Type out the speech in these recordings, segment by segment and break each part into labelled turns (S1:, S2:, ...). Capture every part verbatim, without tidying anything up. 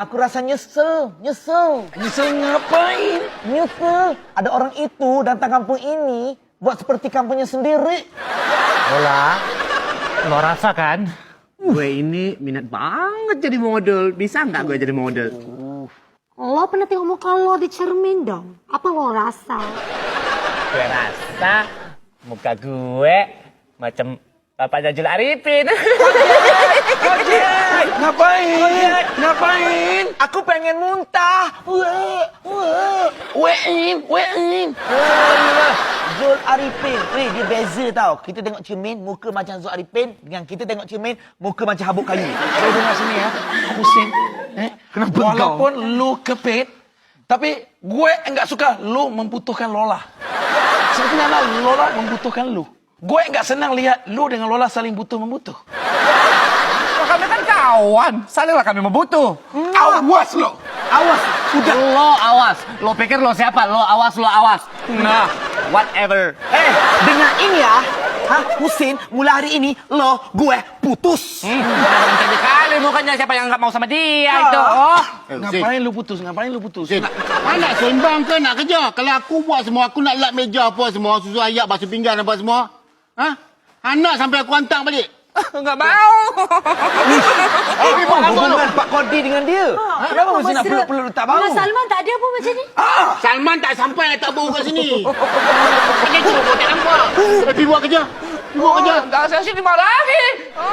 S1: Aku rasa nyesel, nyesel.
S2: Nyesel ngapain?
S1: Nyesel. Ada orang itu datang kampung ini buat seperti kampungnya sendiri.
S3: Lola, lo rasa kan?
S4: Gue ini minat banget jadi model. Bisa nggak gue jadi model?
S5: Lo pernah tengok muka lo di cermin dong? Apa lo rasa?
S3: Gue rasa muka gue macam Bapak Jajul Arifin.
S2: Kojek! Ngapain? Ngapain?
S1: Aku pengen muntah. Weh, weh.
S2: Wein, wein.
S1: Alah, Zul Arifin. Weh, dia beza tau. Kita tengok cermin, muka macam Zul Arifin. Dengan kita tengok cermin, muka macam habuk kayu.
S2: Saya dengar sini ya, Husin. Eh,
S1: Kenapa
S2: walaupun lu kepit, tapi gue enggak suka lu membutuhkan Lola. Sebenarnya Lola membutuhkan lu. Gue enggak senang lihat lu dengan Lola saling butuh-membutuh.
S3: Kami kan kawan, salinglah kami membutuh.
S2: Awas lo.
S3: Awas, sudah. Lo awas. Lo pikir lo siapa? Lo awas, lo awas. Nah, whatever.
S1: Eh, dengar ini ya. Hah, Husin, mulai hari ini lo, gue putus.
S3: Hmm, jadi kali mukanya siapa yang nggak mau sama dia itu. Oh.
S2: Ngapain lu putus? Ngapain lu putus?
S6: Sin, nak sembang ke nak kerja? Kalau aku buat semua, aku nak lap meja apa semua, susu ayak, basuh pinggan apa semua. Ha? Anak sampai aku hantar balik.
S3: Nggak mau.
S1: Apa hubungan Pak Kodi dengan dia? Kenapa mesti nak peluk-peluk tak bau?
S5: Dengan Salman tak ada apa macam ni?
S6: Salman tak sampai tak bau kat sini. Macam tu kau tak nampak. Eh, pergi buat kerja. Pergi buat kerja.
S3: Dah saya sini lagi.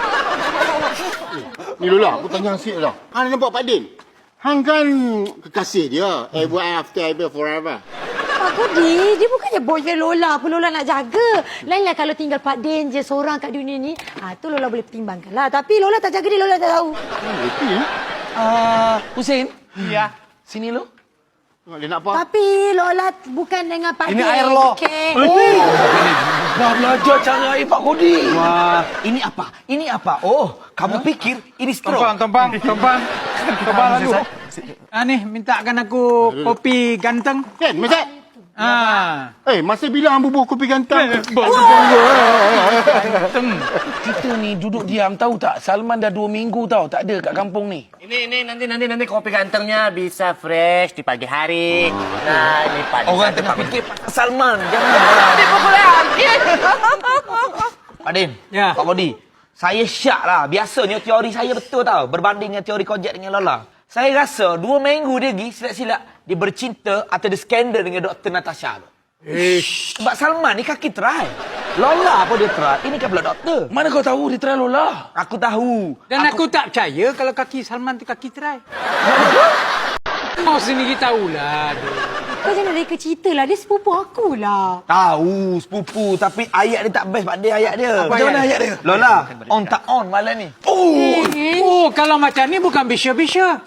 S6: Ni Lola, aku tanya Asyik lah. Hang nampak Pak Din? Hang kan kekasih dia. Ever after, ever forever.
S5: Pak Kodi, dia bukannya boyfriend Lola. Apa Lola nak jaga? Lainlah kalau tinggal Pak Din je seorang kat dunia ni. Ha, tu Lola boleh pertimbangkan lah. Tapi Lola tak jaga dia, Lola tak tahu.
S6: Itu ya.
S2: Ah, Husin.
S3: Iya.
S2: Sini lu.
S6: Tengok dia nak apa?
S5: Tapi Lola bukan dengan Pak
S3: Ini
S5: Din.
S3: air lo.
S5: Okay.
S2: Oh, dah belajar cara air Pak Kodi.
S1: Wah, ini apa? Ini apa? Oh, kamu pikir ini straw?
S7: Tompang, tompang, tompang. Tompang lagu. Ah ni, mintakan aku kopi ganteng.
S6: Kan, Masat?
S7: Ah.
S6: Eh, masa bila hang bubuh kopi ganteng?
S7: Ganteng.
S2: Kita ni duduk diam tahu tak? Salman dah dua minggu tahu tak ada kat kampung ni.
S3: Ini ini nanti nanti nanti kopi gantengnya bisa fresh di pagi hari. Nah, ini pagi.
S1: Orang tengah fikir Pak Salman. Janganlah.
S3: Dipukul lagi.
S1: Pak Din,
S7: Ya.
S1: Pak Kodi. Saya syak lah. Biasanya teori saya betul tau. Berbanding dengan teori Kojek dengan Lola. Saya rasa dua minggu dia pergi silap-silap. Dia bercinta atau dia skandal dengan Doktor Natasha tu. Ish. Sebab Salman ni kaki terai. Lola apa dia terai? Ini kan pula doktor.
S2: Mana kau tahu dia try Lola?
S1: Aku tahu.
S7: Dan aku, tak percaya kalau kaki Salman tu kaki terai. Kau sendiri tahulah.
S5: Kau jangan reka cerita lah. Dia sepupu aku lah.
S1: Tahu sepupu tapi ayat dia tak best Pak Din ayat dia.
S2: Macam mana ayat dia?
S1: Lola, on tak on malam ni.
S2: Oh,
S7: Oh, kalau macam ni bukan bisya-bisya.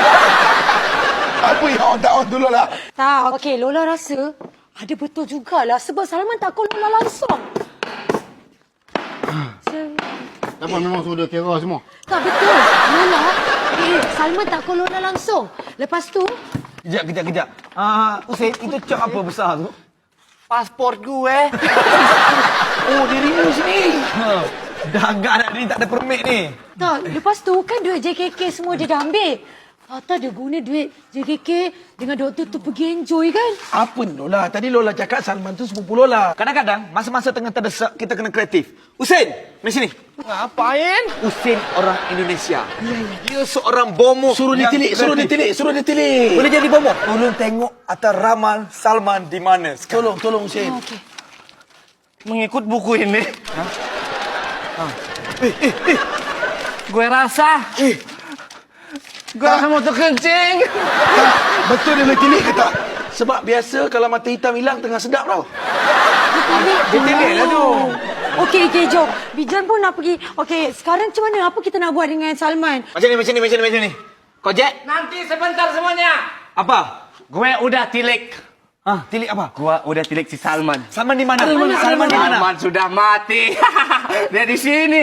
S2: apa yang on tak on dulu lah.
S5: Tak, okey. Lola rasa ada betul jugalah. Sebab Salman tak call Lola langsung.
S6: Kenapa memang suruh dia kira semua?
S5: Tak betul. Lola, eh, Salman tak call Lola langsung. Lepas tu,
S1: Kejap, kejap, kejap. Ah, uh, Usain, itu cok apa besar tu?
S3: Pasport gue.
S2: Oh, dia renew sini.
S1: Ha, dah agak nak ni tak ada permit ni.
S5: tak. Lepas tu kan duit J K K semua dia dah ambil. Tata dia guna duit J K K dengan doktor tu pergi enjoy kan?
S2: Apa ni Lola? Tadi Lola cakap Salman tu sepupu Lola.
S1: Kadang-kadang, masa-masa tengah terdesak, kita kena kreatif. Usain, mari sini.
S3: Ngapain?
S1: Usain orang Indonesia. Dia seorang bomo.
S2: Suruh dia
S1: yang
S2: tilik, suruh dia
S1: kreatif.
S2: tilik, suruh dia tilik.
S1: Boleh jadi bomo? Tolong tengok atas ramal Salman di mana sekarang.
S2: Tolong, tolong Husin.
S5: Oh, okey.
S3: Mengikut buku ini. Gue rasa. Gue rasa mau terkencing.
S2: Tak, betul dia boleh tilik ke tak? Sebab biasa kalau mata hitam hilang tengah sedap tau.
S1: Dia tilik lah tu.
S5: Okey, okey, jom. Bijan pun nak pergi. Okey, sekarang macam mana? Apa kita nak buat dengan Salman?
S1: Macam ni, macam ni, macam ni, macam ni. Kojek,
S3: Nanti sebentar semuanya.
S1: apa?
S3: Gue udah tilik.
S1: Ah, tilik apa?
S3: Gue udah tilik si Salman.
S1: Salman di mana?
S2: Salman,
S1: Salman di mana?
S3: Salman sudah mati. Dia di sini.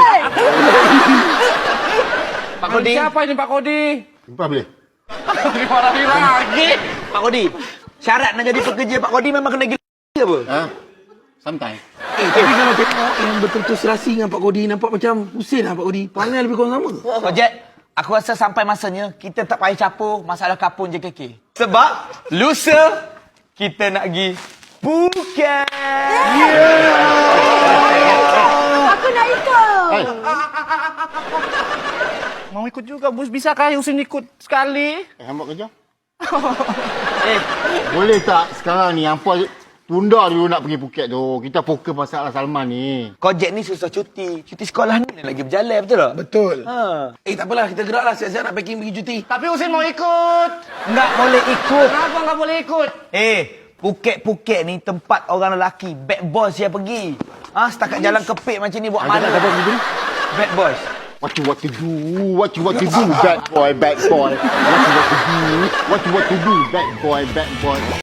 S1: Pak Kodi.
S3: Siapa ini Pak Kodi?
S6: Jumpa boleh?
S3: Dimarahin lagi.
S1: Pak Kodi, syarat nak jadi pekerja Pak Kodi memang kena gila apa?
S6: Ha? Santai.
S2: Eh, tapi kalau tengok yang betul-betul serasi dengan Pak Kodi, nampak macam Husin lah Pak Kodi. Perangai lebih kurang sama.
S1: Kojek, Aku rasa sampai masanya kita tak payah capur masalah kapur J K K. Sebab lusa kita nak pergi Phuket.
S5: Aku nak ikut.
S6: Hey,
S4: Mau ikut juga, bos. Bisa kah Husin ikut sekali?
S6: eh hambak kerja. eh, boleh tak sekarang ni hampa tunda dulu nak pergi Phuket tu. Kita fokus masalah Salman ni.
S1: Kojek ni susah cuti. Cuti sekolah ni lagi berjalan, betul tak?
S2: Betul.
S1: Ha.
S2: Eh, tak apalah. Kita geraklah. Siap-siap nak packing pergi cuti.
S4: Tapi Husin mau ikut.
S1: Enggak boleh ikut.
S4: Kenapa nggak boleh ikut?
S1: Eh, Phuket-Phuket ni tempat orang lelaki. Bad boys yang pergi. Ah, setakat jalan kepik macam ni buat mana?
S6: Ada apa begini?
S1: Bad boys.
S6: What you what to do? What you what to do? Bad boy, bad boy. What you what to do? What you what to do? Bad boy, bad boy.